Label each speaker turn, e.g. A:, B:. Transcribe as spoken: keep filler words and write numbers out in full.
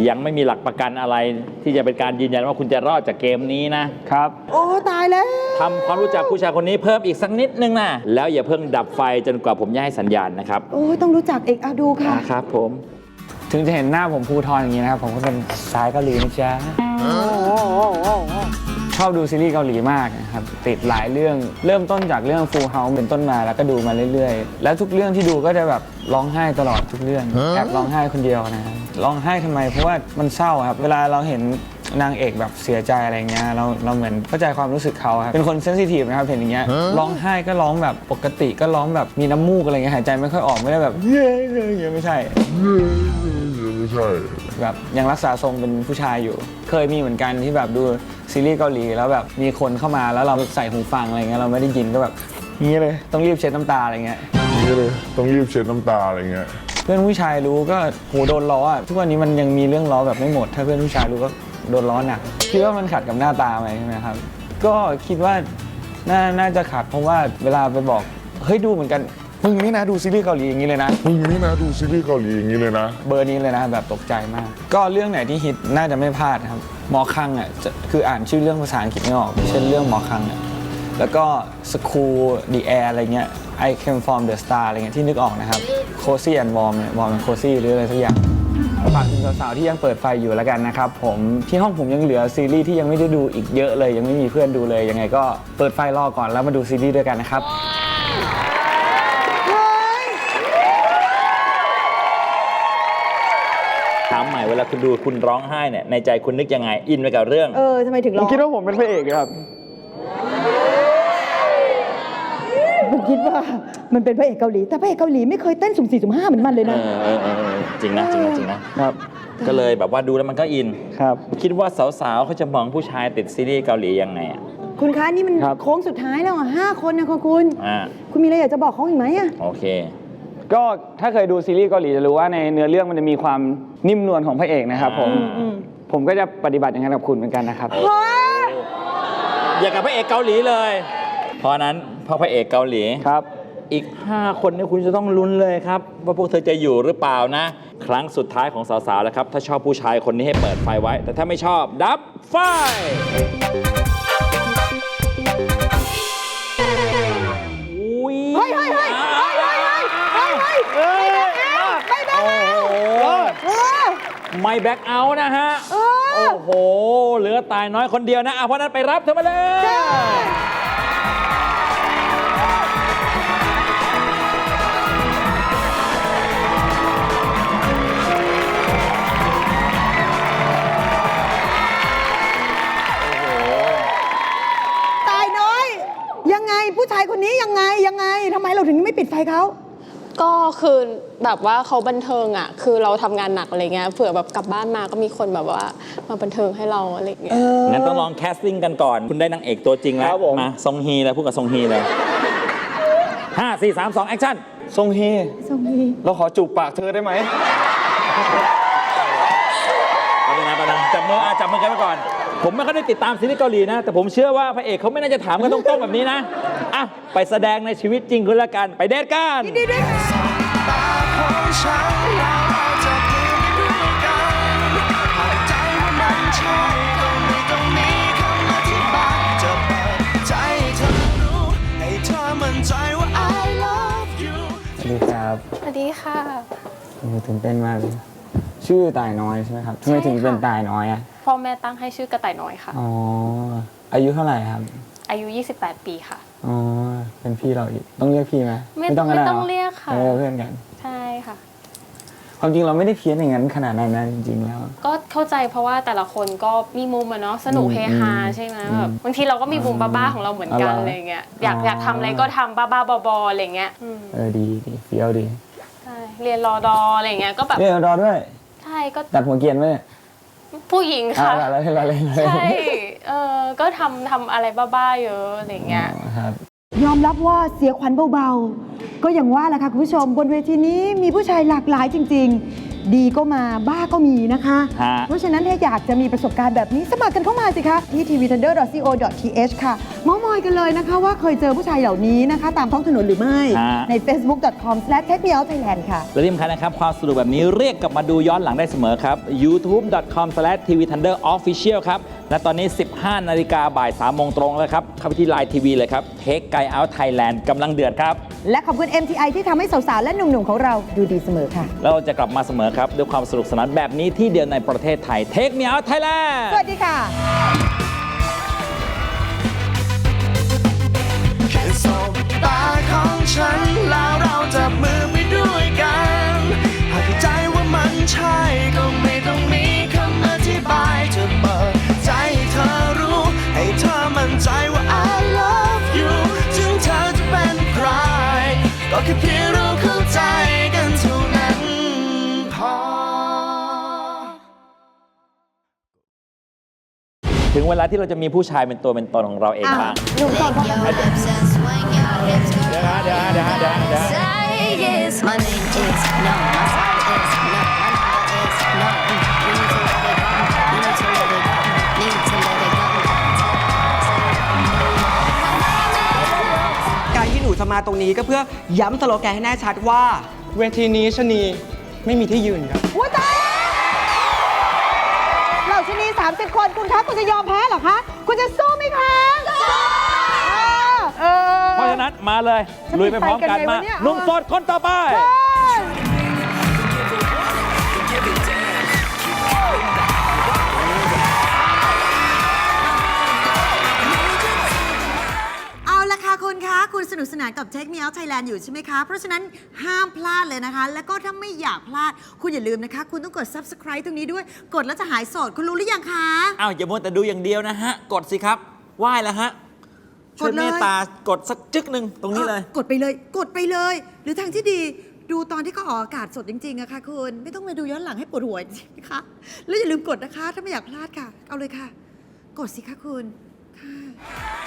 A: ยังไม่มีหลักประกันอะไรที่จะเป็นการยืนยันว่าคุณจะรอดจากเกมนี้นะครับ
B: โอ้ตายแล้ว
A: ทำความรู้จักผู้ชายคนนี้เพิ่มอีกสักนิดนึงนะแล้วอย่าเพิ่งดับไฟจนกว่าผมจะให้สัญญาณนะครับ
B: โอ้ต้องรู้จักเอกอาดูค่ะ
A: ครับผม
C: ถึงจะเห็นหน้าผมภูทรอย่างนี้นะครับผมก็เป็นสายเกาหลีนะจ๊ะชอบดูซีรีส์เกาหลีมากนะครับติดหลายเรื่องเริ่มต้นจากเรื่อง Full House เป็นต้นมาแล้วก็ดูมาเรื่อยๆแล้วทุกเรื่องที่ดูก็จะแบบร้องไห้ตลอดทุกเรื่องแอบร้องไห้คนเดียวนะครับร้องไห้ทำไมเพราะว่ามันเศร้าครับเวลาเราเห็นนางเอกแบบเสียใจอะไรเงี้ยเราเราเหมือนเข้าใจความรู้สึกเขาครับเป็นคนเซนซิทีฟนะครับเห็นอย่างเงี้ยร้องไห้ก็ร้องแบบปกติก็ร้องแบบมีน้ำมูกอะไรเงี้ยหายใจไม่ค่อยออกไม่ได้แบบเย้เย้ไม่ใช่ไม่ใช่แบบยังรักษาทรงเป็นผู้ชายอยู่เคยมีเหมือนกันที่แบบดูซีรีส์เกาหลีแล้วแบบมีคนเข้ามาแล้วเราใส่หูฟังอะไรเงี้ยเราไม่ได้ยินก็แบบนี้เลยต้องรีบเช็ดน้ำตาอะไรเงี้ย
D: นี่เลยต้องรีบเช็ดน้ำตาอะไรเงี้ย
C: เพื่อนผู้ชายรู้ก็โหโดนล้ออ่ะทุกวันนี้มันยังมีเรื่องล้อแบบไม่หมดถ้าเพื่อนผู้ชายรู้ก็โดนล้อหนักคิดว่ามันขัดกับหน้าตาไหมใช่ไหมครับก็คิดว่าน่าน่าจะขัดเพราะว่าเวลาไปบอกเฮ้ยดูเหมือนกันมึงนี่นะดูซีรีส์เกาหลีอย่างนี้เลยนะ
D: มึงนี่นะดูซีรีส์เกาหลีอย่างนี้เลยนะ
C: เบอร์นี้เลยนะแบบตกใจมากก็เรื่องไหนที่ฮิตน่าจะไม่พลาดครับหมอคังอ่ะคืออ่านชื่อเรื่องภาษาอังกฤษไม่ออกเช่นเรื่องหมอคังอ่ะแล้วก็ School the Air อะไรเงี้ย I Came from the Star อะไรเงี้ยที่นึกออกนะครับ Cozy and Warm เนี่ย Warm and Cozy หรืออะไรสักอย่างฝากถึงสาวๆที่ยังเปิดไฟอยู่แล้วกันนะครับผมที่ห้องผมยังเหลือซีรีส์ที่ยังไม่ได้ดูอีกเยอะเลยยังไม่มีเพื่อนดูเลยยังไงก็เปิดไฟรอก่อนแล้วมาดูซีรีส์ด้วยกันนะครับ
A: ถามใหม่เวลาคุณดูคุณร้องไห้เนี่ยในใจคุณนึกยังไงอินไปกับเรื่อง
B: เออทำไมถึงร้อง
C: ผมคิดว่าผมเป็นพระเอกครับ
B: ผมคิดว่ามันเป็นพระเอกเกาหลีแต่พระเอกเกาหลีไม่เคยเต้นสุ่มสี่สุ่มห้าเหมือนมันเลยนะ
A: เออเออจริงนะจริงนะจริงนะครับก็เลยแบบว่าดูแล้วมันก็อิน
C: ครับ
A: คิดว่าสาวๆเขาจะมองผู้ชายติดซีรีส์เกาหลียังไงอ่ะ
B: คุณคะนี่มันโค้งสุดท้ายแล้วอ่ะห้าคนนะคุณ
A: อ่า
B: คุณมีอะไรอยากจะบอกเขาอีกไหมอ่ะ
A: โอเค
C: ก็ถ้าเคยดูซีรีส์เกาหลีจะรู้ว่าในเนื้อเรื่องมันจะมีความนิ่มนวลของพระเอกนะครับผมผมก็จะปฏิบัติอย่างนั้นกับคุณเหมือนกันนะครับ
A: อยากกับพระเอกเกาหลีเลยเพราะนั้นพอพระเอกเกาหลี
C: ครับ
A: อีกห้าคนนี่คุณจะต้องลุ้นเลยครับว่าพวกเธอจะอยู่หรือเปล่านะครั้งสุดท้ายของสาวๆแล้วครับถ้าชอบผู้ชายคนนี้ให้เปิดไฟไว้แต่ถ้าไม่ชอบดับไฟ
B: เฮ้ยเฮ้ยเฮ้ยเฮ้ยเฮ้ยเฮ้ยเฮ้ยเฮ้ยไม่แบ็คเอา
A: ไม่แบ็คเอาท์นะฮะโอ้โหเหลือตายน้อยคนเดียวนะเพราะนั้นไปรับเธอมาเลย
B: ยังไงผู้ชายคนนี้ยังไงยังไงทำไมเราถึงไม่ปิดไฟเขา
E: ก็คือแบบว่าเขาบันเทิงอ่ะคือเราทำงานหนักอะไรเงี้ยเผื่อแบบกลับบ้านมาก็มีคนแบบว่ามาบันเทิงให้เราอะไรเงี้ย
A: งั้นต้องลองแคสติ้งกันก่อนคุณได้นางเอกตัวจริงแล้วมาซงฮีเลยพูดกับซงฮีเลยห้าสี่สามสองแอคชั่น
C: ซงฮี
B: ซงฮี
C: เราขอจูบปากเธอได้ไหม
A: เอาไปนะไปนะจับมือจับมือกันไปก่อนผมไม่ค่อยได้ติดตามซีรีส์เกาหลีนะแต่ผมเชื่อว่าพระเอกเขาไม่น่าจะถามกันตรงๆแบบนี้นะอ่ะไปแสดงในชีวิตจริงคุณละกันไปเดทกัน
B: ยินดีด้วย
C: สวัสดีครับ
E: สวัสดีค่ะ
C: ตื่นเต้นมากเลยชื่อตายน้อยใช่ไหมครับทำไมถึงเป็นตายน้อยอ่ะ
E: พ่อแม่ตั้งให้ชื่อกระต่ายน้อยค่ะ
C: อ๋ออายุเท่าไหร่ครับ
E: อายุยี่สิบแปดปีค่ะ
C: อ๋อเป็นพี่เราอีกต้องเรียกพี่ไหม
E: ไม่ต้องไม่ต้องเรียกค่ะ
C: เพื่อนกัน
E: ใช่ค่ะ
C: ความจริงเราไม่ได้เพี้ยนอย่างนั้นขนาดนั้นนะจริงๆแล้ว
E: ก็เข้าใจเพราะว่าแต่ละคนก็มีมุมอะเนาะสนุกเฮฮาใช่ไหมแบบบางทีเราก็มีมุมบ้าๆของเราเหมือนกันอะไรเงี้ยอยากอยากทำอะไรก็ทำบ้าๆบอๆอะไรเงี้ย
C: เออดีดีเฟี้ยวดี
E: ใช่เรียนรอดออะไรเงี้ยก็แบบ
C: เรียนรอดอด้วย
E: ใช่ก็
C: ตัดหัวเกียนไหม
E: ผู้หญิงค่ะ
C: อะไรอะไรอะไร
E: ใช่เออก็ทำทำอะไรบ้าๆเยอะอะไรเงี้ย
B: ยอมรับว่าเสียขวัญเบาๆก็อย่างว่าแหละค่ะคุณผู้ชมบนเวทีนี้มีผู้ชายหลากหลายจริงๆดีก็มาบ้าก็มีนะคะเพราะฉะนั้นถ้าอยากจะมีประสบการณ์แบบนี้สมัครกันเข้ามาสิคะที่ ที วี ทันเดอร์ ดอท ซี โอ ดอท ที เอช ค่ะเม้ามอยอยกันเลยนะคะว่าเคยเจอผู้ชายเหล่านี้นะคะ ตามท้องถนนหรือไม่
A: ฮะ
B: ใน เฟซบุ๊ก ดอท คอม สแลช เทคเมียวไทยแลนด์ ค่ะ
A: และที่สำคัญนะครับ ความสนุกแบบนี้เรียกกลับมาดูย้อนหลังได้เสมอครับ ยูทูบ ดอท คอม สแลช ที วี ทันเดอร์ ออฟฟิเชียล ครับ และตอนนี้ สิบห้านาฬิกาบ่ายสามโมงตรงแล้วครับ เข้าไปที่ ไลน์ ที วี เลยครับ Take Guy Out Thailand กำลังเดือดครับ
B: และขอบคุณ เอ็ม ที ไอ ที่ทำให้สาวๆและหนุ่มๆของเราดูดีเสมอค่ะ
A: แล้วเราจะกลับมาเสมอครับ ด้วยความสนุกสนานแบบนี้ที่เดียวในประเทศไทย Take Me Out Thailand
B: สวัสดีค่ะ
F: แค่สบตาของฉันแล้วเราจับมือไปด้วยกันหากใจว่ามันใช่ก็ไม่ต้องมีคำอธิบายจะเปิดใจให้เธอรู้ให้เธอมั่นใจว่า I love you ถึงเธอจะเป็นใครก็แค่เพียงเราเข้าใจกันเท่านั้นพอ
A: ถึงเวลาที่เราจะมีผู้ชายเป็นตัวเป็นตนของเราเองบ้าง
B: หนุ่มโสดพบกัน
A: เดี๋ยวนะเดี๋ยวนะเดี๋ยวนะเดี๋ยวนะเดี๋ยวนะ
G: My name is no, my side is no, my number is no. You need to let it go, you need to let it go, need to let it go.
H: การที่หนูจะมาตรงนี้ก็เพื่อย้ำสโลแกนให้แน่ชัดว่า เวทีนี้ชะนีไม่มีที่ยืนครับ
B: ว้าตายเหล่าชนีสามสิบ คนคุณคะคุณจะยอมแพ้เหรอคะ คุณจะสู้ไหมคะสู้เออ
A: เพราะฉะนั้นมาเลย ลุยไปพร้อมกัน
B: จะไปกันไง
A: มาว
B: ะเนี่ย
A: หนุ่มโสดคนต่อไป
I: เอาละค่ะคุณคะ คุณสนุกสนานกับ Take Me Out Thailand อยู่ใช่ไหมคะ เพราะฉะนั้นห้ามพลาดเลยนะคะ แล้วก็ถ้าไม่อยากพลาด คุณอย่าลืมนะคะ คุณต้องกด Subscribe ตรงนี้ด้วย กดแล้วจะหายโสด คุณรู้หรือยังคะ
A: อ้าวอย่ามัวแต่ดูอย่างเดียวนะฮะ กดสิครับไหว้แล้วฮะ ช่วย
I: กดเลย
A: เมตตากดสักจึ๊กหนึ่งตรงนี้เลย
I: อ่ะกดไปเลย กดไปเลย หรือทางที่ดีดูตอนที่เขาออกอากาศสดจริงๆอะค่ะคุณ ไม่ต้องมาดูย้อนหลังให้ปวดหัวจริงๆนะคะ แล้วอย่าลืมกดนะคะ ถ้าไม่อยากพลาดค่ะ เอาเลยค่ะ กดสิคะคุณ ค่ะ